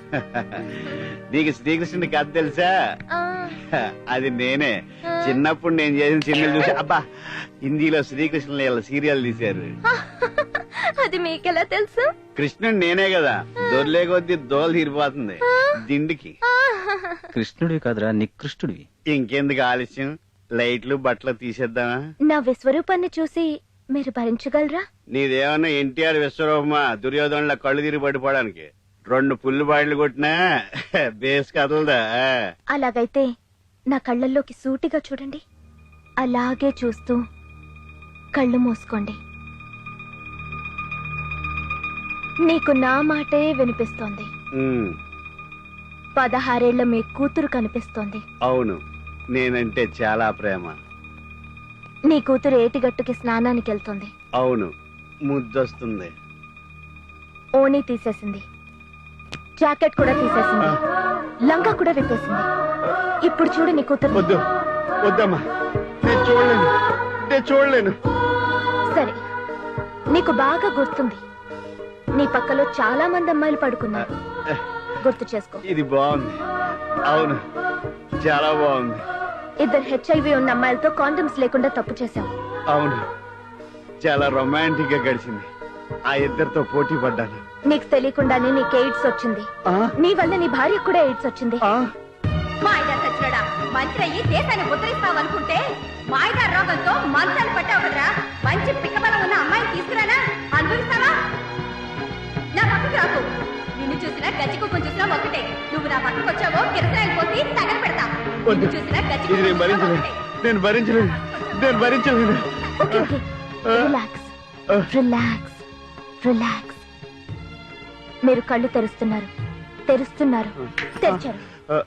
నీకు శ్రీకృష్ణుడి కథ తెలుసా? అది నేనే. చిన్నప్పుడు నేను చేసిన సినిమాలు చూసి అబ్బా హిందీలో శ్రీకృష్ణుల సీరియల్ తీశారు. అది మీకెలా తెలుసు? కృష్ణుడు నేనే కదా, దొర్లే కొద్దీ దోలు తీరిపోతుంది దిండికి. కృష్ణుడివి కాదురా, నికృష్ణుడివి. ఇంకెందుకు ఆలస్యం, లైట్లు బట్టలు తీసేద్దామా? నా విశ్వరూపాన్ని చూసి మీరు భరించగలరా? నీదేమన్నా ఎన్టీఆర్ విశ్వరూపమా దుర్యోధనుల కళ్ళు తిరిగి పడిపోవడానికి? 2 పుల్లు బాయిలు కొట్టినా బేస్ కదలదా? అలాగైతే నా కళ్ళల్లోకి సూటిగా చూడండి. అలాగే చూస్తూ కళ్ళు మూసుకోండి. నీకు నా మాటే వినిపిస్తోంది. 16 ఏళ్ల మీ కూతురు కనిపిస్తోంది. అవును, నేనంటే చాలా ప్రేమ. నీ కూతురు ఏటిగట్టుకి స్నానానికి వెళ్తుంది. అవును, ముద్దొస్తుంది. ఓణీ తీసేసింది, జాకెట్ కూడా తీసేసింది, లంగా కూడా విప్పేసింది. ఇప్పుడు చూడు నీ కూతురు. వద్దు వద్దమ్మా, నేను చూడలేను, నేను చూడలేను. సరే, నీకు బాగా గుర్తుంది, నీ పక్కలో చాలా మంది అమ్మాయిలు పడుకున్నారు. గుర్తు చేసుకో. ఇది బాగుంది. అవును, చాలా బాగుంది. 2 HIV ఉన్న అమ్మాయిలతో కాండమ్స్ లేకుండా తప్పు చేశావు. అవును, చాలా రొమాంటిక్ గా గడిచింది. ఆ 2 పోటీ పడ్డాను. నీకు తెలియకుండానే నీకు ఎయిడ్స్ వచ్చింది. నీ వల్ల నీ భార్యకు కూడా ఎయిడ్స్ వచ్చింది. మాయదా సచ్చినోడా, మంత్రి అయ్యి దేశాన్ని ఉద్ధరిస్తావనుకుంటే మాయదా రోగంతో మంచాలు పట్టావు కదరా. మంచి పిక్కబలం ఉన్న అమ్మాయిని తీసుకురానా, అనుభవిస్తావా? నా పక్కకు రాకు. నిన్ను చూసినా గజ్జి కుక్కను చూసినా ఒకటే. నువ్వు నా పక్కకు వచ్చావో కిరసాయలు పోసి తగల పెడతా. నిన్ను చూసినా గజ్జి ఇది నేను భరించలేను, నేను భరించలేను, నేను భరించలేను. Okay okay, relax relax relax. మీరు కళ్ళు తెరుస్తున్నారు, తెరుస్తున్నారు, తెరిచారు.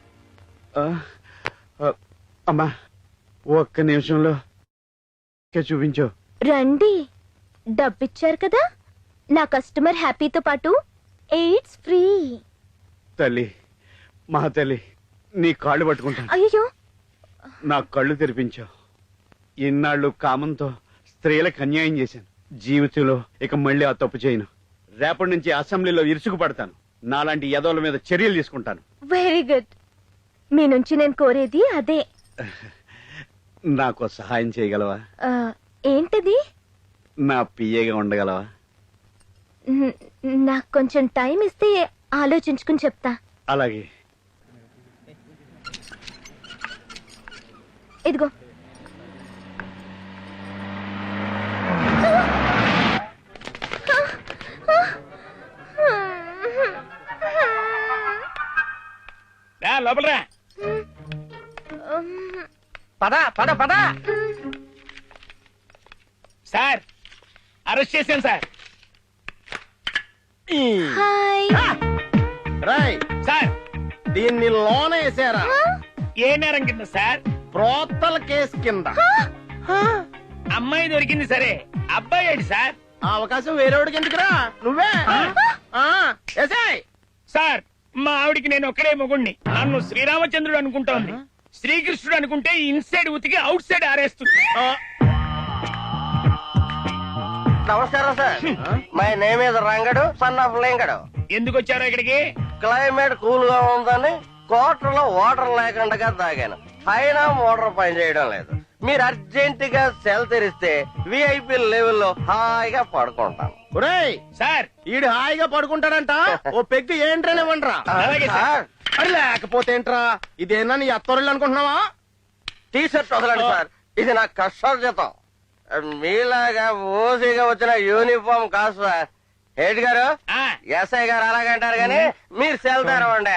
అమ్మా, ఒక్క నిమిషంలో చూపించు. రండి, డబ్బిచ్చారు కదా. నా కస్టమర్ హ్యాపీతో పాటు ఎయిడ్స్ ఫ్రీ. తల్లి, మా తల్లి, నీ కాళ్ళు పట్టుకుంటాను. అయ్యో, నా కళ్ళు తెరిపించావు. ఇన్నాళ్ళు కామంతో స్త్రీలకు అన్యాయం చేశాను. జీవితంలో ఇక మళ్ళీ ఆ తప్పు చేయను. రేపటి నుంచి అసెంబ్లీలో ఇరుసుకు పడతాను. నాలాంటి యదవుల మీద చర్యలు తీసుకుంటాను. Very good. మీ నుంచి నేను కోరేది అదే. నాకు సహాయం చేయగలవా? ఏంటిది? నా పిఏగా ఉండగలవా? నాకు కొంచెం టైం ఇస్తే ఆలోచించుకుని చెప్తా. అలాగే. ఇదిగో. లోపలరా. పద పద పద. సార్, అరెస్ట్ చేశాను సార్. హాయ్. రాయ్ సార్, దీన్ని లోన వేసారా? ఏ నేరం కింద సార్? ప్రోత్తల కేసు కింద. అమ్మాయి దొరికింది సరే, అబ్బాయి ఏంటి సార్? ఆ అవకాశం వేరేవాడికి ఎందుకురా, నువ్వే వేసాయ్. సార్, మా ఆవిడికి నేను ఒక్కడే మొగుణ్ణి. నన్ను శ్రీరామచంద్రుడు అనుకుంటోంది. శ్రీకృష్ణుడు అనుకుంటే ఇన్సైడ్ ఉతికి అవుట్ సైడ్ ఆరేస్తుంది. నమస్కారం sir, my name is Rangadu, son of Lingadu. ఎందుకు వచ్చారో ఇక్కడికి? క్లైమేట్ కూల్ గా ఉందని కోటర్లో వాటర్ లేకుండా తాగాను. అయినా మోటార్ పని చేయడం లేదు. మీరు అర్జెంట్ గా సెల్ తెరిస్తే విఐపి లెవెల్లో హాయిగా పడుకుంటాను. ఒరేయ్ సార్, ఈడు హాయిగా పడుకుంటాడంట. ఓ పెగ్గు ఏంట్రానివ్వండిరా. అలాగే సార్. అది లేకపోతే ఏంట్రా, ఇదేనా నీ అత్తరుళ్ళు అనుకుంటున్నావా? టీ షర్ట్ వదలండి సార్, ఇది నా కష్టార్జితం. మీలాగా ఓసీగా వచ్చిన యూనిఫామ్ కాదు సార్. హెడ్ గారు, ఎస్ఐ గారు అలాగంటారు కానీ మీరు సెల్ తెరవండి.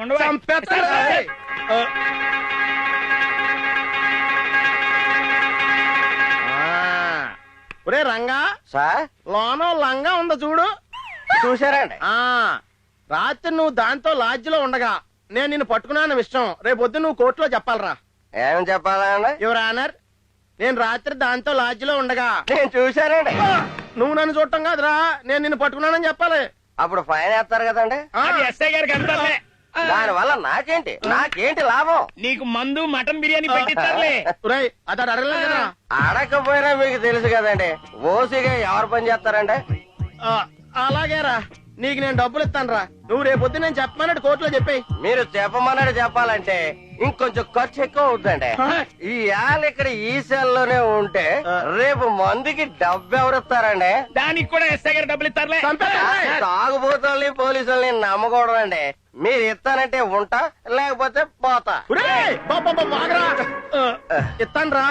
ఒరే రంగా సార్, లోన లంగా ఉందో చూడు. చూసారండి? రాత్రి నువ్వు దాంతో లాడ్జిలో ఉండగా నేను నిన్ను పట్టుకున్నాను విషయం రేపొద్దు నువ్వు కోర్టులో చెప్పాలరా. ఏం చెప్పాలండి? యువర్ ఆనర్, నేను రాత్రి దాంతో లాడ్జిలో ఉండగా నేను చూశానండి. నువ్వు నన్ను చూడటం కాదురా, నేను నిన్ను పట్టుకున్నానని చెప్పాలి. అప్పుడు ఫైన్ వేస్తారు కదండి. ఎస్ఐ గారికి అంటారులే. దాని వల్ల నాకేంటి లాభం? నీకు మందు మటన్ బిర్యానీ పెట్టిస్తారులే. అతడు అడగలేదు కదా. అడగకపోయినా మీకు తెలుసు కదండి, ఓసీగా ఎవరు పని చేస్తారండి. అలాగేరా, నీకు నేను డబ్బులు ఇస్తాను రా. నువ్వు రేపొద్దు నేను చెప్పమన్నట్టు కోర్టులో చెప్పేయి. మీరు చెప్పమన్నాడు చెప్పాలంటే ఇంకొంచెం ఖర్చు ఎక్కువ అవుతుందండి. ఈ ఆల ఇక్కడ ఈ సెల్లోనే ఉంటే రేపు మందికి డబ్బు ఎవరిస్తారండి? దానికి కూడా ఎస్ఐ గారు డబ్బులు ఇస్తారులే. తాగుబోతుల్ని పోలీసుల్ని నమ్మకూడదు అండి. మీరు ఇస్తానంటే ఉంటా, లేకపోతే పోతా. ఇస్తాను రా.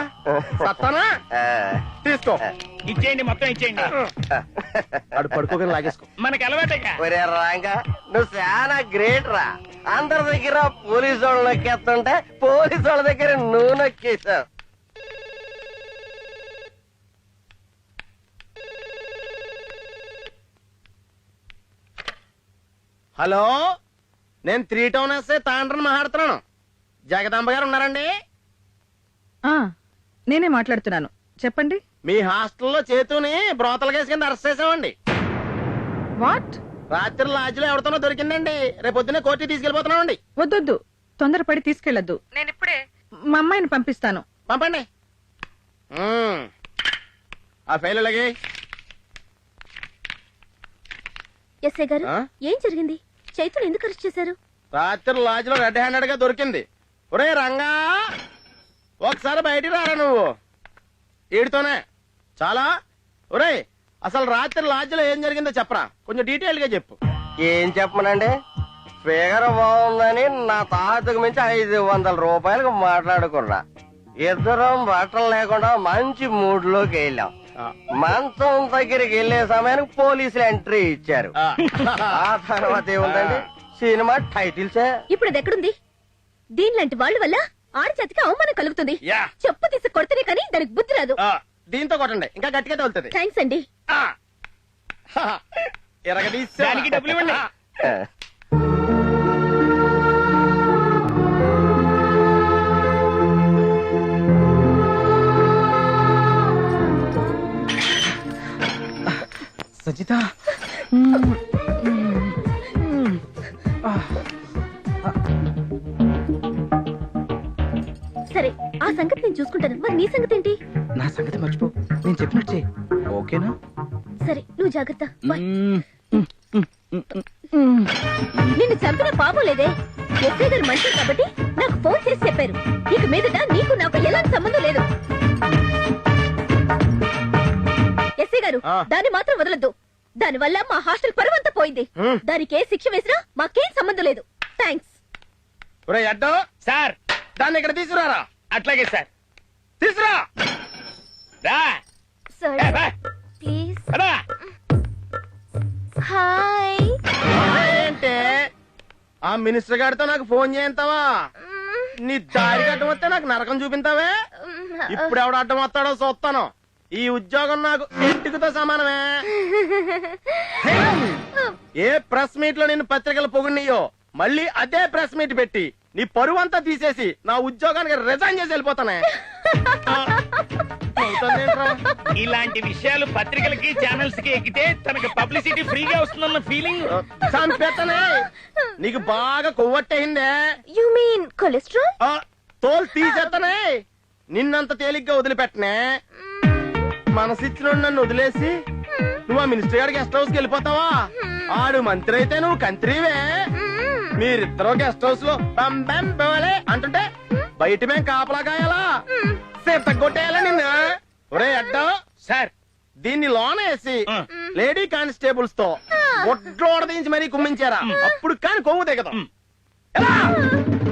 తీసుకో. ఇచ్చేయండి, మొత్తం ఇచ్చేయండి. అడు పడుకోగానే లాగేసుకో. మనకి అలవాటేగా. ఒరే రాంగా, నువ్వు చాలా గ్రేట్ రా. అందరి దగ్గర పోలీసు వాళ్ళు నొక్కేస్తుంటే పోలీసు వాళ్ళ దగ్గర నువ్వు నొక్కేశావు. హలో, నేను 3 టౌన్ ఎస్ఐ తాండ్రని మాట్లాడుతున్నాను. జగదాంబ గారు ఉన్నారండి? నేనే మాట్లాడుతున్నాను, చెప్పండి. మీ హాస్టల్లో చేతుని బ్రోతల కేసు కింద అరెస్ట్ చేసామండి. వాట్? రాత్రి లాడ్జిలో ఎవరితోనో దొరికిందండి. రేపు పొద్దున్నే కోర్టుకి తీసుకెళ్లిపోతున్నామండి. వద్దొద్దు, తొందరపడి తీసుకెళ్లొద్దు. నేను ఇప్పుడే మా అమ్మాయిని పంపిస్తాను. పంపండి. ఆ ఫైల్ అలాగే. ఎస్ఐ గారు, ఏం జరిగింది? చైతులు ఎందుకు అరెస్ట్ చేశారు? రాత్రి లాడ్జిలో రెడ్ హ్యాండెడ్ గా దొరికింది. ఒరే రంగా, ఒకసారి బయటికి రారా నువ్వు. ఈడితోనే చాలా. ఒరే, అసలు రాత్రి లాడ్జిలో ఏం జరిగిందో చెప్పరా, కొంచెం డీటెయిల్ గా చెప్పు. ఏం చెప్పమనండి? ఫిగర్ బాగుందని నా తాతకు మించి 500 రూపాయలకు మాట్లాడుకున్నా. ఇద్దరం బట్టలు లేకుండా మంచి మూడ్ లోకి వెళ్ళాం. మంచం దగ్గరికి వెళ్లే సమయానికి పోలీసులు ఎంట్రీ ఇచ్చారు. ఆ తర్వాత ఏముందండి, సినిమా టైటిల్సే. ఇప్పుడు అది ఎక్కడుంది? దీనిలాంటి వాళ్ళ వల్ల ఆడి చేతికి అవమానం కలుగుతుంది. చెప్పు తీసి కొడితేనే కానీ దానికి బుద్ధి రాదు. దీంతో కొట్టండి, ఇంకా గట్టిగా తగులుతుంది. థ్యాంక్స్ అండి. దానికి డబ్బులు ఇవ్వండి. సజిత, సరే, ఆ సంగతి నేను చూసుకుంటాను. మరి నీ సంగతి ఏంటి? నా సంగతి మర్చిపో, నేను చెప్పినట్టు చెయ్యి. ఓకేనా? సరే, నువ్వు జాగ్రత్త. బాయ్. నిన్ను చంపిన పాపం లేదే. ఎస్ఐ గారు మంచి కాబట్టి నాకు ఫోన్ చేసి చెప్పారు. ఇక మీదట నీకు నాకు ఎలాంటి సంబంధం లేదు. ఎస్ఐ గారు, దాన్ని మాత్రం వదలొద్దు. దాని వల్ల మా హాస్టల్ పరువంతా పోయింది. దానికి ఏ శిక్ష వేసినా మాకేం సంబంధం లేదు. థ్యాంక్స్. సార్, దాన్ని ఇక్కడ తీసుకురారా. అట్లాగే సార్. తీసురా. రా. సార్, ఏ, బా. ప్లీజ్. పదా. హాయ్. ఏంటే ఆ మినిస్టర్ గారితో నాకు ఫోన్ చేయంతావా? నీ దారి అడ్డం వస్తే నాకు నరకం చూపింతావే. ఇప్పుడు ఎవడు అడ్డం వస్తాడో చూస్తాను. ఈ ఉద్యోగం నాకు ఇంటికితో సమానమే. ఏ ప్రెస్ మీట్ లో నేను పత్రికలు పొగిడియో మళ్ళీ అదే ప్రెస్ మీట్ పెట్టి నీ పరువంతా తీసేసి నా ఉద్యోగానికి రిజైన్ చేసి వెళ్ళిపోతానే. ఇలాంటి విషయాలు పత్రికలకి ఛానల్స్ కి ఎక్కితే తనకి పబ్లిసిటీ ఫ్రీగా వస్తుందన్న ఫీలింగ్. చంపేతనే. నీకు బాగా కొవ్వట్టయిందే. You mean cholesterol? తోలు తీసేతనే. నిన్నంత తేలిగ్గా వదిలిపెట్టనే. మనసిచ్చిన నన్ను వదిలేసి నువ్వు ఆ మినిస్టర్ గారి గెస్ట్ హౌస్ కి వెళ్ళిపోతావా? ఆడు మంత్రి అయితే నువ్వు కంత్రివే. మీరిద్దరూ గెస్ట్ హౌస్ లో బంబం బోలే అంటుంటే బయట మేము కాపలా కాయాలా? కొట్టేయాలా నిన్ను? ఒరే అడ్డా సార్, దీన్ని లోన వేసి లేడీ కానిస్టేబుల్స్ తో ఒడ్లోడ దించి మరీ కుమ్మించారా? అప్పుడు కాని కొవ్వు దిగదాం.